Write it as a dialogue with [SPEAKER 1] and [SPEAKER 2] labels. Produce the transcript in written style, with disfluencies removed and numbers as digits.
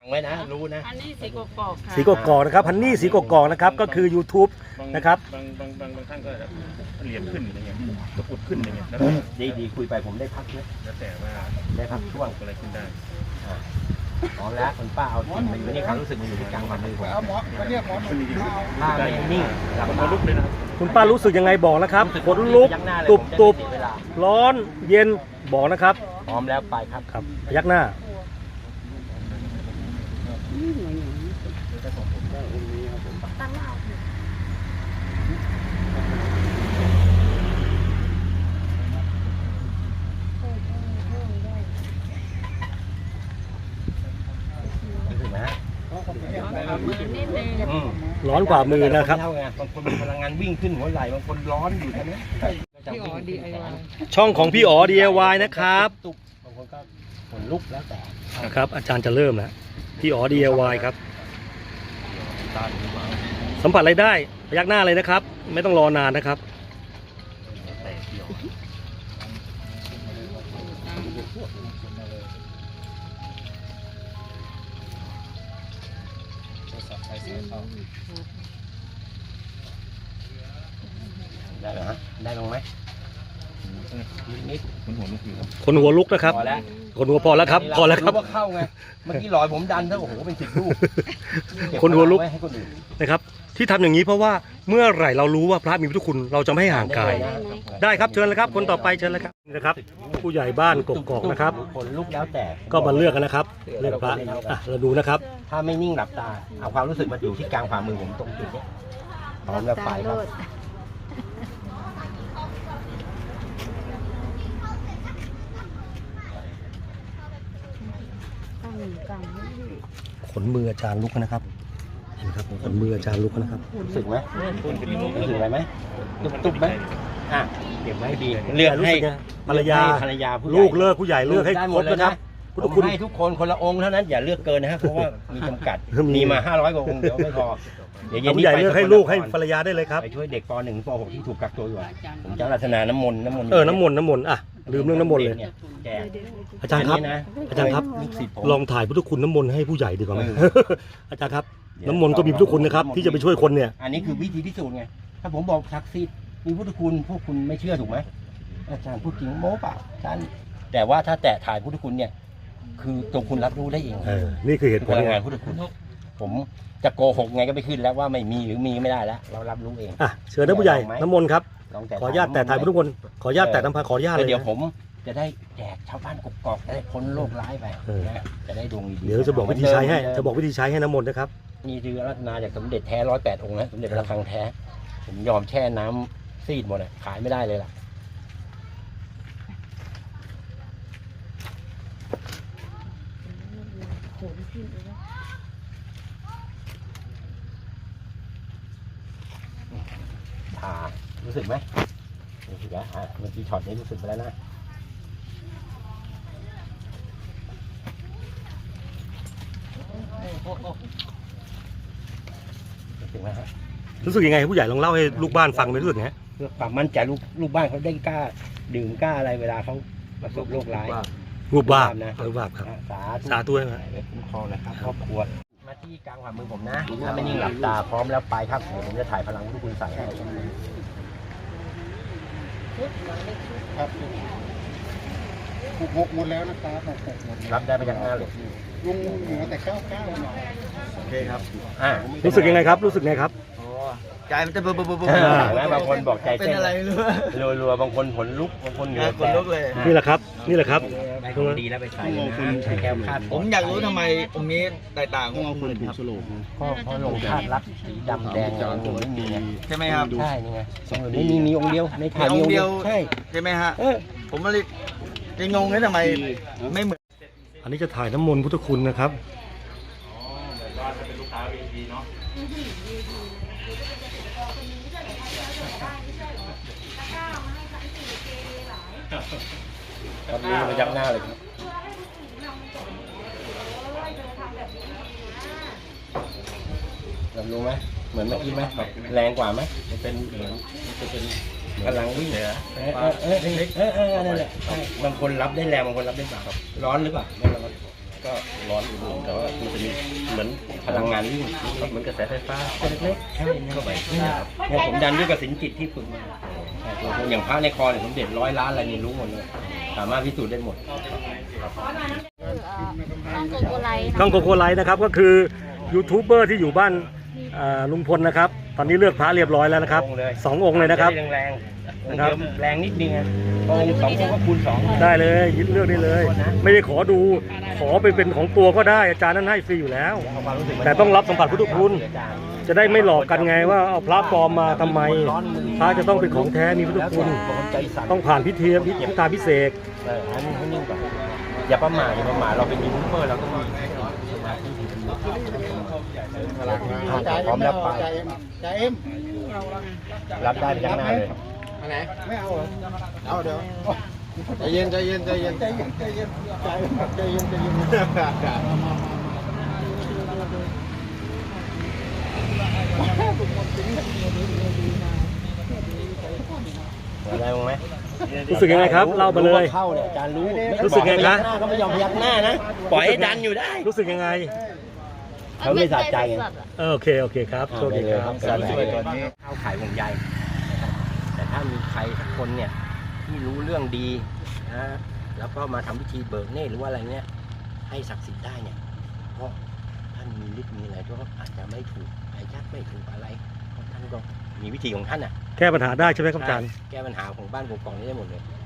[SPEAKER 1] ไว้นะรู้นะ
[SPEAKER 2] อันนี้สีกกอกค่ะ
[SPEAKER 3] สีกกอกนะครับฮันนี่สีกกอกนะครับก็คือ YouTube นะครับ
[SPEAKER 4] บางท่านก็เหลี่ยมขึ้นอย่างเงี้ยตะกุดขึ้นอย่างเงี้ยแล้ว
[SPEAKER 1] ดีคุยไปผมได้พักเยอะ
[SPEAKER 4] แล้วแต่ว่า
[SPEAKER 1] ได้พักช่วง
[SPEAKER 4] อะไรขึ้นได้
[SPEAKER 1] พร้อมแล้วคุณป้าเอาจริงมันอยู่ในความรู้สึกมันอยู่ที่กลางความมือผมป้าไม่นิ่งหลับ
[SPEAKER 4] มัน
[SPEAKER 1] ตา
[SPEAKER 4] ลุกเลยนะครับ
[SPEAKER 3] คุณป้ารู้สึกยังไงบอกนะครับขนลุกตุบร้อนเย็นบอกนะครับ
[SPEAKER 1] พร้อมแล้วไปครับ
[SPEAKER 3] ครับพยักหน้า
[SPEAKER 1] รู้สึกไหมฮะ
[SPEAKER 2] มือนิดนึง
[SPEAKER 3] ร้อนกว่ามือนะครับ
[SPEAKER 1] เท่าไงบางคนมีพลังงานวิ่งขึ้นหัวไหล่บางคนร้อนอยู่ใช่ไหม
[SPEAKER 2] พี่อ๋อ DIY
[SPEAKER 3] ช่องของพี่อ๋อ DIY นะครับ
[SPEAKER 1] ตุบบางคนก็ขนลุกแล้วแต่
[SPEAKER 3] นะครับอาจารย์จะเริ่มแล้วพี่อ๋อ DIY ครับสัมผัสอะไรได้พยักหน้าเลยนะครับ ไม่ต้องรอนานนะครับ
[SPEAKER 1] ได้เหรอฮะได้ลงไหมนิด
[SPEAKER 4] มันหัวลุกอยู่ครับ
[SPEAKER 3] คนหัวลุกนะครับ
[SPEAKER 1] พอแล้ว
[SPEAKER 3] คนหัวพอแล้วครับพอแล้วครับ
[SPEAKER 1] ว่าเข้าไงเมื่อกี้ลอยผมดันถ้าโอ้โหเป็น10 ลูก
[SPEAKER 3] คนหัวลุก
[SPEAKER 1] เบพงไให้คนอื่น
[SPEAKER 3] นะครับที่ทำอย่างนี้เพราะว่าเมื่อไหร่เรารู้ว่าพระมีพุทธคุณเราจะไม่ให้ห่างกาย ได้ครับเชิญเลยครับคนต่อไปเชิญเลยครับนี่นะครับ ผู้ใหญ่บ้านกกอกนะครับ
[SPEAKER 1] ขนลุกแล้วแต่
[SPEAKER 3] ก็มาเลือกกันนะครับเลือกพระอ่ะเราดูนะครับ
[SPEAKER 1] ถ้าไม่นิ่งหลับตาเอาความรู้สึกมาอยู่ที่กลางฝ่ามือผมตรงจุดนี้พร้อมแล้วไปครับ
[SPEAKER 3] ขนมืออาจารย์ลุกนะครับเห็นครับขนมืออาจารย์ลุกนะครับ
[SPEAKER 1] รู้สึกไหมรู้สึกอะไรไหมตุ๊บไหมอ่ะเก็บไว้ดีเลือกให้
[SPEAKER 3] ภรรยา
[SPEAKER 1] ภรรยาผู้ใหญ่
[SPEAKER 3] ลูกเลิกผู้ใหญ่เลือกให้ครบนะครับพุทธ
[SPEAKER 1] ผม
[SPEAKER 3] คุณ
[SPEAKER 1] ให้ทุกคนคนละองค์เท่านั้นอย่าเลือกเกินนะฮะเพราะว่ามีจำกัด
[SPEAKER 3] มี
[SPEAKER 1] มีมา500 กว่าองค์เดี๋ยวไม่พอเดี๋ยวเย็น
[SPEAKER 3] ผู้
[SPEAKER 1] นี้
[SPEAKER 3] ใหญ่
[SPEAKER 1] ไป
[SPEAKER 3] เลือกให้
[SPEAKER 1] สก
[SPEAKER 3] ลูกให้
[SPEAKER 1] นคร
[SPEAKER 3] ภรรยาได้เลยครับ
[SPEAKER 1] ไปช่วยเด็กป .1 ป .6 ที่ถูกกักตัวอยู่อะผมจะรัตนาน้ำมนต์
[SPEAKER 3] น้ำมนต์อ่ะลืมเรื่องน้ำมนต์เลย
[SPEAKER 1] แจก
[SPEAKER 3] อาจารย์ครับ
[SPEAKER 1] นนี้นะ
[SPEAKER 3] อาจารย์ครับ
[SPEAKER 1] ลูกศิษย์ผม
[SPEAKER 3] ลองถ่ายพุทธคุณน้ำมนต์ให้ผู้ใหญ่ดีกว่าไหม
[SPEAKER 1] เออ
[SPEAKER 3] อาจารย์ครับน้ำมนต์ก็มีพุทธคุณนะครับที่จะไปช่วยคนเนี่ย
[SPEAKER 1] อันนี้คือวิธีพิสูจน์ไงถ้าผมบอกศักดิ์สิทธิ์มีพุทธคุณพวกคุณไม่เชื่อถูกไหมอาจารย์พูดจริงโม้เปล่าอาจารย์แต่ว่าถ้าแตะถ่ายพุทธคุณเนี่ยคือตัวคุณรับรู้ได้เอง
[SPEAKER 3] นี่คือเหตุผ
[SPEAKER 1] พ
[SPEAKER 3] ล
[SPEAKER 1] ลัง
[SPEAKER 3] ไง
[SPEAKER 1] งานพุทธคุณผมจะโกหกไงก็ไม่ขึ้นแล้วว่าไม่มีหรือมีไม่ได้แล้วเรารับรู้เอง
[SPEAKER 3] อ่ะเชิญนะผู้ใหญ่น้ำมนต์ครับ
[SPEAKER 1] ลองแต่
[SPEAKER 3] ขออนุญาตแต่ถ่ายพุทธคุณขออนุญาตแต่น้ำพาขออนุญาตเลย
[SPEAKER 1] เดี๋ยว
[SPEAKER 3] นะ
[SPEAKER 1] ผมจะได้แจกชาวบ้านกกอกจะได้พ้นโรคร้ายไป
[SPEAKER 3] เออ
[SPEAKER 1] นะจะได้ดวงดีๆ
[SPEAKER 3] เดี๋ยวจะบอกวิธีใช้ให้จะบอกวิธีใช้ให้น้ำมนต์นะครับ
[SPEAKER 1] มีเรือรัตนาจากสมเด็จแท้108 องค์นะสมเด็จพระระฆังแท้ ผมยอมแช่น้ำซีดหมดอ่ะขายไม่ได้เลยล่ะรู้สึกไหมรู้สึกแล้วเมื่อกี้ช็อตนี้รู้สึกไปแล้วนะรู้สึกไหมฮะ
[SPEAKER 3] รู้สึกยังไงผู้ใหญ่ลองเล่าให้ลูกบ้านฟังไปรู้สึกไง
[SPEAKER 1] เพื่อความมั่นใจลูกบ้านเขาได้กล้าดื่มกล้าอะไรเวลาเขาประสบโรคร้าย
[SPEAKER 3] รูปบ้า
[SPEAKER 1] นะ
[SPEAKER 3] รูปบ้าครับ
[SPEAKER 1] สาธุ
[SPEAKER 3] สาธุนะ
[SPEAKER 1] คุ้มครองนะครับครอบครัวมาที่กลางฝ่ามือผมนะถ้าไม่นิ่งหลับตาพร้อมแล้วไปครับเดี๋ยวผมจะถ่ายพลังที่คุณใส่ให้
[SPEAKER 5] ครับหกหมดแล้วนะครับหกหมด
[SPEAKER 1] รับได้มาจากหน้าเลย
[SPEAKER 5] ลุงเหลือแต่99หน่อย
[SPEAKER 4] โอเคครับ
[SPEAKER 3] รู้สึกยังไงครับรู้สึกไงครับ
[SPEAKER 6] ใจมันจะเบิ่ม
[SPEAKER 1] แล้วบางคนบอกใจ
[SPEAKER 6] เป็น
[SPEAKER 1] เต้น
[SPEAKER 6] อะไรไม่รู้
[SPEAKER 1] รัวๆบางคนขนลุกบางคนเหงื่อ
[SPEAKER 6] ขนลุกเลย
[SPEAKER 3] นี่แหละครับนี่แหละครับ
[SPEAKER 1] ได้ของดีแล้วไปใส่นะใช้แก้วคาด
[SPEAKER 6] ผมอยากรู้ทำไมองค์นี้แตกต่าง
[SPEAKER 5] ต้องเอา
[SPEAKER 6] ข
[SPEAKER 5] ค
[SPEAKER 6] อง
[SPEAKER 5] น
[SPEAKER 6] อื่น
[SPEAKER 5] ถู
[SPEAKER 6] ค
[SPEAKER 5] ก
[SPEAKER 6] รับ
[SPEAKER 5] สโลก
[SPEAKER 1] ก็เพราะลงคาดรักสีดำแดงผมไม่มีไง
[SPEAKER 6] ใช่ไหมครับ
[SPEAKER 1] ใช่นี่ไงไม่มีองค์เดียวในถ่าย
[SPEAKER 6] มีองค์เดียว
[SPEAKER 1] ใช่
[SPEAKER 6] ใช่ไหมฮะผมมาเลยยังงงเลยทำไมไม่เหมือน
[SPEAKER 3] อันนี้จะถ่ายน้ำมนต์พุทธคุณนะครับ
[SPEAKER 1] ตอนนี้มายักหน้าเลยครับเรารู้ไหมเหมือนเมื่อกี้ไหมแบบแรงกว่าไหมมันเป็นเหมือนมันจะเป็นพลังวิ่งเหรอนั่นแหละใช่บางคนรับได้แรงบางคนรับได้เบาร้อนหรือเปล่าไม่ร้อนก็ร้อนอุ่นๆแต่ว่ามันจะมีเหมือนพลังงานวิ่งเหมือนกระแสไฟฟ้าเล็กๆเข้าไปเนี่ยผมดันด้วยกสิณจิตที่ฝึกมาอย่างพระในคอเนี่ยสมเด็จ100 ล้านอะไรนี่รู้หมดเลยสามารถพิสูจน์ได้หมด
[SPEAKER 2] ต้องโกโกไลท์
[SPEAKER 3] ช่องโกโกไลท์นะครับก็คือยูทูบเบอร์ที่อยู่บ้านลุงพลนะครับตอนนี้เลือกพระเรียบร้อยแล้วนะครับ2 องค์เลยนะครับ
[SPEAKER 1] แรงๆนะครับแรงนิดนึงนะองค์2 องค์ก็คูณ 2
[SPEAKER 3] ได้เลยยึดเลือกได้เลย ไม่ได้ขอดูขอไปเป็นของตัวก็ได้อาจารย์นั้นให้ฟรีอยู่แล้ว แต่ต้องรับสัมผัสพุทธคุณจะได้ไม่หลอกกันไงว่าเอาพระปลอมมาทำไมพระจะต้องเป็นของแท้มีพุทธคุณต้องผ่านพิธีพิเศษ
[SPEAKER 1] อันนี้ให้นิ่งก่อนอย่าประมาทเราเป็นยูทูบเบอร์เราก็มีสมาธิที่ดีพร้อมรับไป
[SPEAKER 5] จ่าเอ็ม
[SPEAKER 1] รับได้ยักหน้าเลย
[SPEAKER 5] อันไหนไม่เอาเหรอเอาเดี๋ยวใจเย็นใจเย็นใจเย็นใจเย็นใจเย็นใจเย็นใจเย็นใจเย็น
[SPEAKER 1] อะไรมั้งไหม
[SPEAKER 3] รู้สึกยังไงครับเล่ามาเลย
[SPEAKER 1] เข้าเนี่ยอาจารย์รู้
[SPEAKER 3] รู้สึกไงคะ
[SPEAKER 1] หน้าก็ไม่ยอมพยักหน้านะปล่อยให้ดันอยู่ได้
[SPEAKER 3] รู้สึกยังไง
[SPEAKER 1] เขาไม่สะใจไง
[SPEAKER 3] โอเคครับโชคดีครับ
[SPEAKER 1] การช่วยตัวนี้เข้าขายห่วงใยนะครับแต่ถ้ามีใครสักคนเนี่ยที่รู้เรื่องดีนะแล้วก็มาทำพิธีเบิกเนตรหรือว่าอะไรเนี่ยให้ศักดิ์สิทธิ์ได้เนี่ยเพราะท่านมีฤทธิ์มีอะไรก็อาจจะไม่ถูกอายัดไม่ถูกอะไรเพราะท่านก็มีวิธีของท่านอ่ะ
[SPEAKER 3] แก้ปัญหาได้ใช่ไหมครับอาจารย์
[SPEAKER 1] แก้ปัญหาของบ้านกกอกนี่ได้หมดเลย